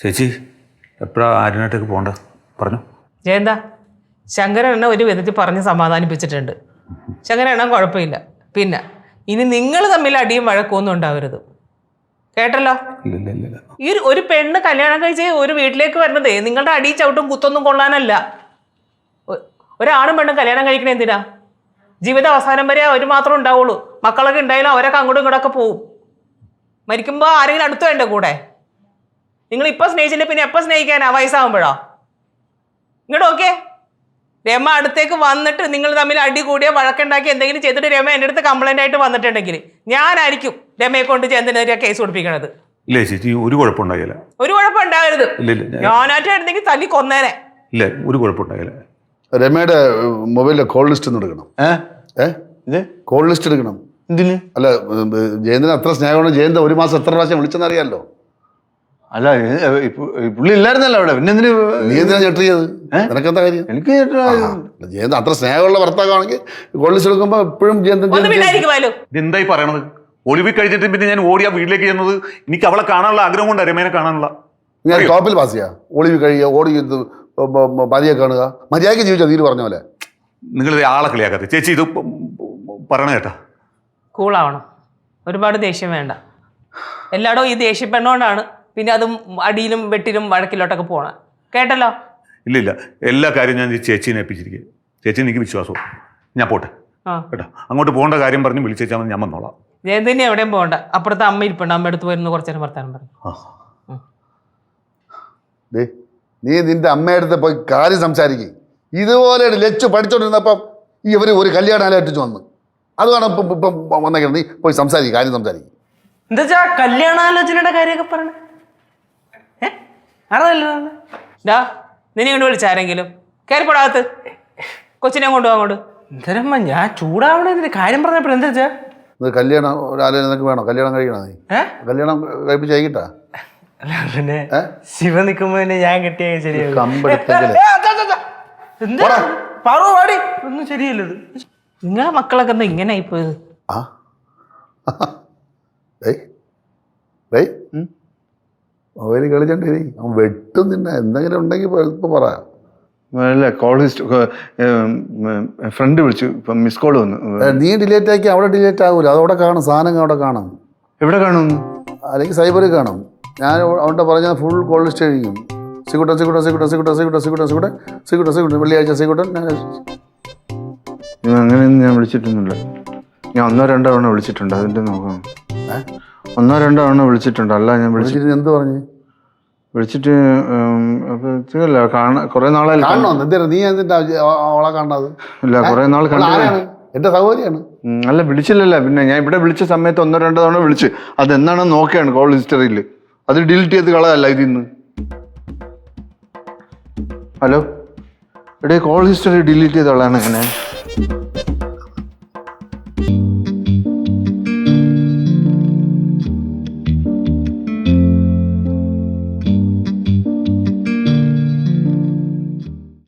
ചേച്ചി എപ്പോഴാണ് ആര്യനായിട്ടേക്ക് പോകേണ്ടത് പറഞ്ഞു. ജയന്താ, ശങ്കരണ്ണ ഒരു വിധത്തിൽ പറഞ്ഞ് സമാധാനിപ്പിച്ചിട്ടുണ്ട്. ശങ്കരണ്ണ കുഴപ്പമില്ല. പിന്നെ ഇനി നിങ്ങൾ തമ്മിൽ അടിയും വഴക്കൊന്നും ഉണ്ടാവരുത്, കേട്ടല്ലോ? ഈ ഒരു പെണ്ണ് കല്യാണം കഴിച്ച് ഒരു വീട്ടിലേക്ക് വരുന്നതേ നിങ്ങളുടെ അടി ചവിട്ടും കുത്തൊന്നും കൊള്ളാനല്ല. ഒരാണും പെണ്ണും കല്യാണം കഴിക്കണേ എന്തിനാ? ജീവിത അവസാനം വരെ അവർ മാത്രമേ ഉണ്ടാവുള്ളൂ. മക്കളൊക്കെ ഉണ്ടായാലും അവരൊക്കെ അങ്ങോട്ടും ഇങ്ങോട്ടൊക്കെ പോവും. മരിക്കുമ്പോൾ ആരെങ്കിലും അടുത്ത് വേണ്ട കൂടെ? നിങ്ങൾ ഇപ്പം സ്നേഹിച്ചില്ല പിന്നെ എപ്പോൾ സ്നേഹിക്കാനാ? വയസ്സാകുമ്പോഴോ? ഇങ്ങോട്ട് ഓക്കെ. രമ അടുത്തേക്ക് വന്നിട്ട് നിങ്ങൾ തമ്മിൽ അടി കൂടിയോ വഴക്കുണ്ടാക്കി എന്തെങ്കിലും ചെയ്തിട്ട് രമ എൻ്റെ അടുത്ത് കംപ്ലൈൻ്റ് ആയിട്ട് വന്നിട്ടുണ്ടെങ്കിൽ ഞാനായിരിക്കും രമയെ കൊണ്ട് ചെന്തിനെതിരെ കേസ് കൊടുപ്പിക്കണത്. ഇല്ല ചേച്ചി, ഒരു കുഴപ്പമുണ്ടാകില്ല. ഒരു കുഴപ്പം ഉണ്ടാകരുത്. ഞാനായിട്ടായിരുന്നെങ്കിൽ തല്ലി കൊന്നേനെ. ഇല്ല, ഒരു കുഴപ്പമുണ്ടാകില്ല. രമയുടെ മൊബൈലിലെ കോൾ ലിസ്റ്റ് ഒന്ന് എടുക്കണം. കോൾ ലിസ്റ്റ് എടുക്കണം. എന്തിന്? അല്ല, ജയന്തിന് അത്ര സ്നേഹമാണ്. ജയന്ത ഒരു മാസം എത്ര പ്രാവശ്യം വിളിച്ചെന്നറിയാലോ. അല്ല, പുള്ളി ഇല്ലായിരുന്നല്ലോ അവിടെ. പിന്നെ എന്തിന് നീ എന്തിനാ ഞെട്ടിയത്? നിനക്കെന്താ കാര്യം? എനിക്ക് ജയന്ത അത്ര സ്നേഹമുള്ള ഭർത്താവാണെങ്കിൽ കോൾ ലിസ്റ്റ് എടുക്കുമ്പോ എപ്പോഴും എന്തായി പറയണത്? ഒളിവിൽ കഴിഞ്ഞിട്ട് പിന്നെ ഞാൻ ഓടിയാ വീട്ടിലേക്ക് ചെന്നത് എനിക്ക് അവളെ കാണാനുള്ള ആഗ്രഹം കൊണ്ട് രമേനെ കാണാനുള്ള. ഞാൻ ടോപ്പിൽ പാസ് ചെയ്യാ. ഒളിവിൽ കഴിയുക, ഓടി മതിയെ കാണുക, മര്യാദയ്ക്ക് ജീവിച്ചാൽ നീര് പറഞ്ഞ പോലെ. നിങ്ങൾ ആളെ കളിയാക്കാതെ ചേച്ചി. ഇത് പറയണ കേട്ടാ. കൂളാവണം. ഒരുപാട് ദേഷ്യം വേണ്ട. എല്ലായിടവും ഈ ദേഷ്യപ്പെടണോണ്ടാണ് പിന്നെ അതും അടിയിലും വെട്ടിലും വഴക്കിലോട്ടൊക്കെ പോകണം, കേട്ടല്ലോ? ഇല്ല, എല്ലാ കാര്യവും ഞാൻ ചേച്ചീനെ ഏൽപ്പിച്ചിരിക്കുക. ചേച്ചി എനിക്ക് വിശ്വാസവും. ഞാൻ പോട്ടെ കേട്ടോ. അങ്ങോട്ട് പോകേണ്ട കാര്യം പറഞ്ഞ് വിളിച്ചാൽ ഞാൻ വന്നോളാം. ജയന്തിനെ എവിടെയും പോകണ്ട. അപ്പുറത്തെ അമ്മ ഇരിപ്പുണ്ട്. അമ്മ അടുത്ത് പോയിരുന്നു കുറച്ചു നേരം വർത്താനം പറഞ്ഞു. നീ നിന്റെ അമ്മയടുത്ത് പോയി കാര്യം സംസാരിക്കും. ഇതുപോലെ ലച്ചു പഠിച്ചോണ്ടിരുന്നപ്പം ഇവര് ഒരു കല്യാണാലോചിച്ച് വന്നു. അതാണ് ഇപ്പം വന്നേക്കണം. നീ പോയി സംസാരിക്കും, കാര്യം സംസാരിക്കും. എന്താ കല്യാണാലോചനയുടെ കാര്യമൊക്കെ പറയണേ? ഡാ, നിന്നെ കൊണ്ട് വിളിച്ചാരെങ്കിലും കയറിപ്പോടാകത്ത്. കൊച്ചിനെ കൊണ്ടുപോകാൻ അങ്ങോട്ട്. എന്തരമ്മ, ഞാൻ ചൂടാവണതിന് കാര്യം പറഞ്ഞപ്പോൾ എന്താ വെച്ചാ? കല്യാണം ഒരു ആലോചന നിനക്ക് വേണോ? കല്യാണം കഴിക്കണോ? നീ കല്യാണം കഴിപ്പിച്ച് കഴിക്കട്ടാ? അല്ല, പിന്നെ ശിവ നിൽക്കുമ്പോ ഞാൻ കിട്ടിയ ശരിയാവും. പാടി ഒന്നും ശരിയല്ലത്. നിങ്ങളെ മക്കളൊക്കെ എന്താ ഇങ്ങനെ ആയിപ്പോയത്? മൊബൈൽ കളിച്ചോണ്ടേ അവൻ വെട്ടും. നിന്നെ എന്തെങ്കിലും ഉണ്ടെങ്കിൽ ഇപ്പൊ പറയാം. അല്ല, കോൾ ഫ്രണ്ട് വിളിച്ചു, ഇപ്പം മിസ് കോൾ വന്നു. നീ ഡിലേറ്റ് ആക്കി അവിടെ ഡിലേറ്റ് ആകൂല. അതവിടെ കാണും, സാധനങ്ങൾ അവിടെ കാണും. എവിടെ കാണും? അല്ലെങ്കിൽ സൈബറിൽ കാണും. ഞാൻ അവിടെ പറഞ്ഞാൽ ഫുൾ കോൾ ലിസ്റ്റ് കഴിക്കും. സിക്കുട്ടൻ വെള്ളിയാഴ്ച സിക്കുട്ടൻ. അങ്ങനെയൊന്നും ഞാൻ വിളിച്ചിട്ടൊന്നുമില്ല. ഞാൻ 1-2 തവണ വിളിച്ചിട്ടുണ്ട്. അതിൻ്റെ നോക്കാം. 1-2 തവണ വിളിച്ചിട്ടുണ്ട്. അല്ല, ഞാൻ വിളിച്ചിട്ട് എന്ത് പറഞ്ഞു? വിളിച്ചിട്ട് കുറെ നാളായി കാണണോ? നീ എന്തിന്റെ അവളെ കാണാത്? ഇല്ല, കുറെ നാൾ കണ്ടു. എന്റെ സഹോദരിയാണ്. അല്ല, വിളിച്ചില്ലല്ല. പിന്നെ ഞാൻ ഇവിടെ വിളിച്ച സമയത്ത് 1-2 തവണ വിളിച്ച്. അതെന്താണെന്ന് നോക്കിയാണ് കോൾ ഹിസ്റ്ററിയിൽ. അത് ഡിലീറ്റ് ചെയ്ത് കളയല്ല ഇതിന്ന്. ഹലോ, ഇവിടെ കോൾ ഹിസ്റ്ററി ഡിലീറ്റ് ചെയ്ത് കളയാണ് എങ്ങനെ?